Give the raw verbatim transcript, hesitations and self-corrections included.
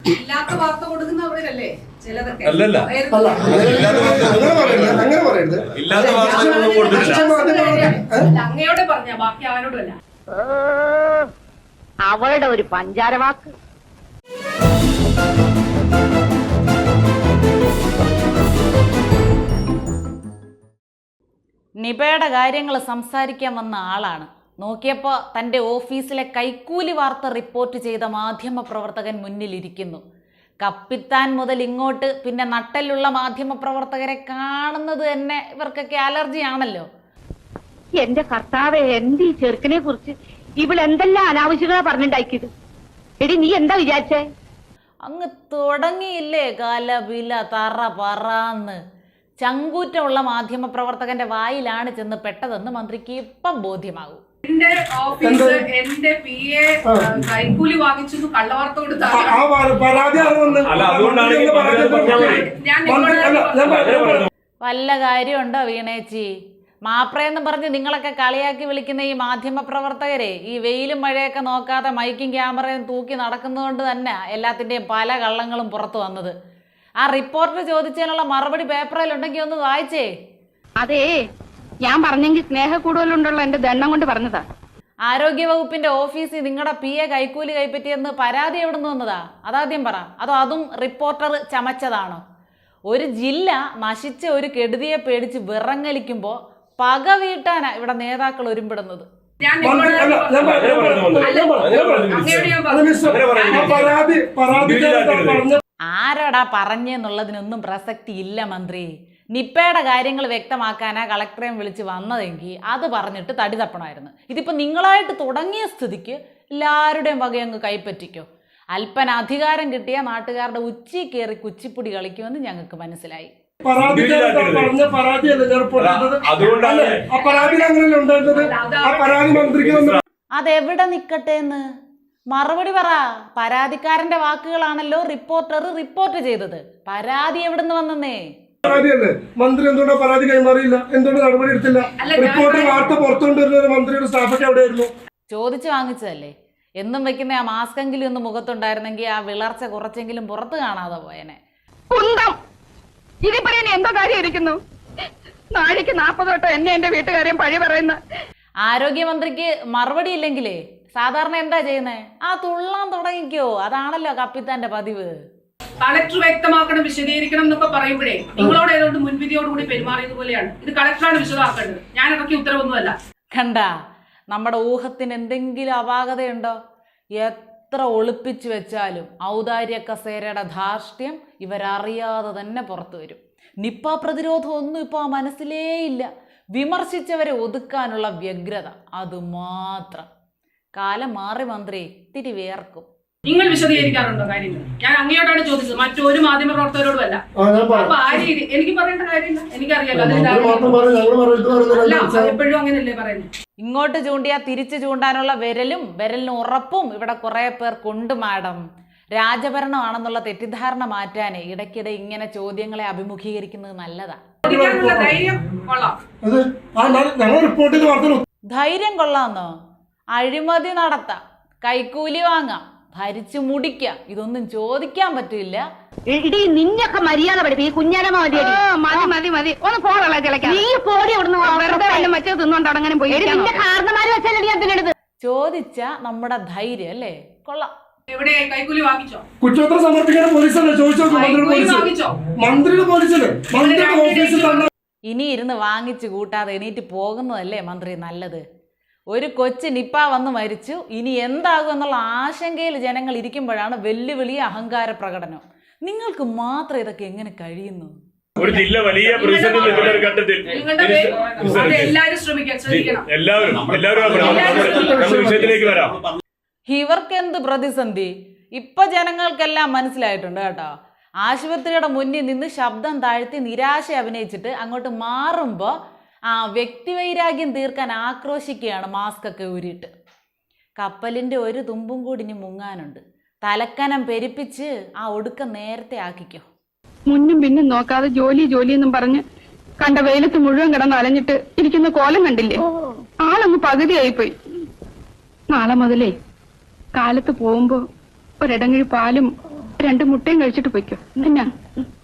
ഇല്ലാത്ത വാർത്ത കൊടുക്കുന്നവരല്ലേ ചിലതൊക്കെ. അല്ലല്ല, അങ്ങനെ പറയരുത്. ഇല്ലാത്ത വാർത്തകളൊന്നും കൊടുത്തിട്ടില്ല. അങ്ങയോടെ പറഞ്ഞ ബാക്കി ആരോടും അല്ല. അവളുടെ ഒരു പഞ്ചാരവാക്ക്. നിപയുടെ കാര്യങ്ങൾ സംസാരിക്കാൻ വന്ന ആളാണ്. നോക്കിയപ്പോൾ തൻ്റെ ഓഫീസിലെ കൈക്കൂലി വാർത്ത റിപ്പോർട്ട് ചെയ്ത മാധ്യമ പ്രവർത്തകൻ മുന്നിലിരിക്കുന്നു. കപ്പിത്താൻ മുതൽ ഇങ്ങോട്ട് പിന്നെ നട്ടലുള്ള മാധ്യമ പ്രവർത്തകരെ കാണുന്നത് തന്നെ ഇവർക്കൊക്കെ അലർജി ആണല്ലോ. എന്റെ കർത്താവെ, എന്ത് ഈ ചെറുക്കനെ കുറിച്ച് ഇവളെന്തെല്ലാം അനാവശ്യങ്ങളാ പറഞ്ഞിണ്ടാക്കിയത്. എടി, നീ എന്താ വിചാരിച്ചേ? അങ്ങ് തുടങ്ങിയില്ലേ കലപില തറ പറന്ന്. ചങ്കൂറ്റമുള്ള മാധ്യമ പ്രവർത്തകന്റെ വായിലാണ് ചെന്ന് പെട്ടതെന്ന് മന്ത്രിക്ക് ഇപ്പം ബോധ്യമാകും. എന്റെ ഓഫീസ് എന്റെ പി എ കൈക്കൂലി വാങ്ങിച്ചു കള്ളവാർത്ത കൊടുത്താൽ വല്ല കാര്യമുണ്ടോ വീണേച്ചി? മാപ്രയെന്ന് പറഞ്ഞ് നിങ്ങളൊക്കെ കളിയാക്കി വിളിക്കുന്ന ഈ മാധ്യമ പ്രവർത്തകരെ ഈ വെയിലും മഴയൊക്കെ നോക്കാതെ മൈക്കും ക്യാമറയും തൂക്കി നടക്കുന്നതുകൊണ്ട് തന്നെ എല്ലാത്തിൻ്റെയും പല കള്ളങ്ങളും പുറത്തു വന്നത്. ആ റിപ്പോർട്ട് ചോദിച്ചതിനുള്ള മറുപടി പേപ്പറിലുണ്ടെങ്കിൽ ഒന്ന് വായിച്ചേ. അതേ, ഞാൻ പറഞ്ഞെങ്കിൽ സ്നേഹ കൂടുതലുണ്ടല്ലോ എന്റെ ദണ്ണം കൊണ്ട് പറഞ്ഞതാ. ആരോഗ്യവകുപ്പിന്റെ ഓഫീസിൽ നിങ്ങളുടെ പി എ കൈക്കൂലി കൈപ്പറ്റിയെന്ന് പരാതി എവിടെ നിന്ന് വന്നതാ? അതാദ്യം പറ. അതോ അതും റിപ്പോർട്ടർ ചമച്ചതാണോ? ഒരു ജില്ല നശിച്ച ഒരു കെടുതിയെ പേടിച്ച് വിറങ്ങലിക്കുമ്പോ പക വീട്ടാനാ ഇവിടെ നേതാക്കൾ ഒരുമ്പിടുന്നത്. ആരാടാ പറഞ്ഞെന്നുള്ളതിനൊന്നും പ്രസക്തി ഇല്ല മന്ത്രി. നിപ്പയുടെ കാര്യങ്ങൾ വ്യക്തമാക്കാനാ കളക്ടറേയും വിളിച്ച് വന്നതെങ്കിൽ അത് പറഞ്ഞിട്ട് തടി തപ്പണമായിരുന്നു. ഇതിപ്പോൾ നിങ്ങളായിട്ട് തുടങ്ങിയ സ്ഥിതിക്ക് എല്ലാവരുടെയും വകയങ്ങ് കൈപ്പറ്റിക്കോ. അല്പന അധികാരം കിട്ടിയ നാട്ടുകാരുടെ ഉച്ചി കയറി കുച്ചിപ്പുടി കളിക്കുമെന്ന് ഞങ്ങൾക്ക് മനസ്സിലായി. അതെവിടെ നിക്കട്ടെ എന്ന് മറുപടി പറ. പരാതിക്കാരന്റെ വാക്കുകളാണല്ലോ റിപ്പോർട്ടർ റിപ്പോർട്ട് ചെയ്തത്. പരാതി എവിടുന്ന് വന്നേ? പരാതിയല്ലേ? മന്ത്രി എന്തുകൊണ്ടാ പരാതി കൈമാറിയില്ല? എന്തുകൊണ്ട് നടപടി എടുത്തില്ല? റിപ്പോർട്ട് വാർത്ത പുറത്തുകൊണ്ടിരുന്ന മന്ത്രിയുടെ സ്റ്റാഫൊക്കെ എവിടെയായിരുന്നു? ചോദിച്ചു വാങ്ങിച്ചതല്ലേ. എന്നും വെക്കുന്ന ആ മാസ്കെങ്കിലും ഒന്ന് മുഖത്തുണ്ടായിരുന്നെങ്കിൽ ആ വിളർച്ച കുറച്ചെങ്കിലും പുറത്ത് കാണാതെ പോയനെ. ഇനി പറയാൻ എന്തോ കാര്യം ഇരിക്കുന്നു? നാഴിക്ക് നാപ്പത് തൊട്ടോ എന്നെ എന്റെ വീട്ടുകാരെയും പഴി പറയുന്ന ആരോഗ്യമന്ത്രിക്ക് മറുപടി ഇല്ലെങ്കിലേ സാധാരണ എന്താ ചെയ്യുന്നേ? ആ തുള്ളാൻ തുടങ്ങിക്കോ. അതാണല്ലോ കപ്പിത്താന്റെ പതിവ്. കളക്ടർ വ്യക്തമാക്കണം, വിശദീകരിക്കണം എന്നൊക്കെ പറയുമ്പോഴേ നിങ്ങളോട് ഏതോണ്ട് മുൻവിധിയോടുകൂടി പെരുമാറിയത് പോലെയാണ്. ഇത് കളക്ടറാണ് വിശദമാക്കേണ്ടത്, ഞാൻ ഇറക്കിയ ഉത്തരവൊന്നുമല്ല. കണ്ട, നമ്മുടെ ഊഹത്തിന് എന്തെങ്കിലും അപാകതയുണ്ടോ? എത്ര ഒളിപ്പിച്ചു വെച്ചാലും ഔദാര്യ കസേരയുടെ ധാർഷ്ട്യം ഇവരറിയാതെ തന്നെ പുറത്തു വരും. നിപ്പ പ്രതിരോധം ഒന്നും ഇപ്പോൾ ആ മനസ്സിലേ ഇല്ല. വിമർശിച്ചവരെ ഒതുക്കാനുള്ള വ്യഗ്രത അതുമാത്രം. കാലം മാറി മന്ത്രി, തിരി വേർക്കും. നിങ്ങൾ വിശദീകരിക്കാറുണ്ടോ കാര്യങ്ങൾ? ഞാൻ അങ്ങയോടാണ് ചോദിച്ചത്, മറ്റൊരു മാധ്യമ പ്രവർത്തകരോടും അല്ല. അപ്പൊ ആ രീതി എനിക്ക് പറയേണ്ട കാര്യമില്ല, എനിക്കറിയാലോ. എപ്പോഴും അങ്ങനെയല്ലേ പറയുന്നത്. ഇങ്ങോട്ട് ചൂണ്ടിയാ തിരിച്ചു ചൂണ്ടാനുള്ള വിരലും വിരലിന് ഉറപ്പും ഇവിടെ കുറെ പേർ കൊണ്ട് മാഡം. രാജഭരണമാണെന്നുള്ള തെറ്റിദ്ധാരണ മാറ്റാനേ ഇടയ്ക്കിടെ ഇങ്ങനെ ചോദ്യങ്ങളെ അഭിമുഖീകരിക്കുന്നത് നല്ലതാ. ധൈര്യം കൊള്ളാന്നോ? അഴിമതി നടത്താം, കൈക്കൂലി വാങ്ങാം, ഭരിച്ചു മുടിക്കാം, ഇതൊന്നും ചോദിക്കാൻ പറ്റില്ല. ഇടി നിന്നൊക്കെ മര്യാദ പഠിപ്പി. ഈ കുഞ്ഞാലമ്മ മതി മതി മതി മതി ഒന്ന് പോകല ചിലക്കാൻ. നീ പോടി അവിടുന്ന് വെറുതെ മറ്റേ തിന്നോണ്ട് അങ്ങനെ പോയി. കാരണമാര് വെച്ചാൽ ചോദിച്ച നമ്മുടെ ധൈര്യം അല്ലേ കൊള്ളാം. എവിടെയായി കൈക്കൂലി വാങ്ങിച്ചോ? കുറ്റപത്രം സമർപ്പിക്കുന്ന പോലീസല്ലേ ചോദിച്ചോ? മന്ത്രിയുടെ പോലീസല്ലേ? ഇനി ഇരുന്ന് വാങ്ങിച്ചു കൂട്ടാതെ എണീറ്റ് പോകുന്നതല്ലേ മന്ത്രി നല്ലത്. ഒരു കൊച്ചു നിപ്പ വന്ന് മരിച്ചു, ഇനി എന്താകും എന്നുള്ള ആശങ്കയിൽ ജനങ്ങൾ ഇരിക്കുമ്പോഴാണ് വെല്ലുവിളി അഹങ്കാര പ്രകടനം. നിങ്ങൾക്ക് മാത്രം ഇതൊക്കെ എങ്ങനെ കഴിയുന്നു? ഒരു ജില്ല വലിയ ഘട്ടത്തിൽ ഇവർക്ക് എന്ത് പ്രതിസന്ധി? ഇപ്പൊ ജനങ്ങൾക്കെല്ലാം മനസ്സിലായിട്ടുണ്ട് കേട്ടോ. ആശുപത്രിയുടെ മുന്നിൽ നിന്ന് ശബ്ദം താഴ്ത്തി നിരാശ അഭിനയിച്ചിട്ട് അങ്ങോട്ട് മാറുമ്പോ ആ വ്യക്തിവൈരാഗ്യം തീർക്കാൻ ആക്രോശിക്കുകയാണ് മാസ്ക് ഒക്കെ ഊരിയിട്ട്. കപ്പലിൻ്റെ ഒരു തുമ്പും കൂടി ഇനി മുങ്ങാനുണ്ട്. തലക്കനം പെരുപ്പിച്ച് ആ ഒടുക്കം നേരത്തെ ആക്കിക്കോ. മുന്നും പിന്നും നോക്കാതെ ജോലി ജോലി എന്നും പറഞ്ഞ് കണ്ട വെയിലത്ത് മുഴുവൻ കിടന്ന് അലഞ്ഞിട്ട് ഇരിക്കുന്ന കോലം കണ്ടില്ലേ? ആളങ്ങ് പകുതിയായിപ്പോയി. നാളെ മുതലേ കാലത്ത് പോകുമ്പോ ഒരിടങ്ങഴി പാലും രണ്ട് മുട്ടയും കഴിച്ചിട്ട് പൊയ്ക്കോ എന്നാ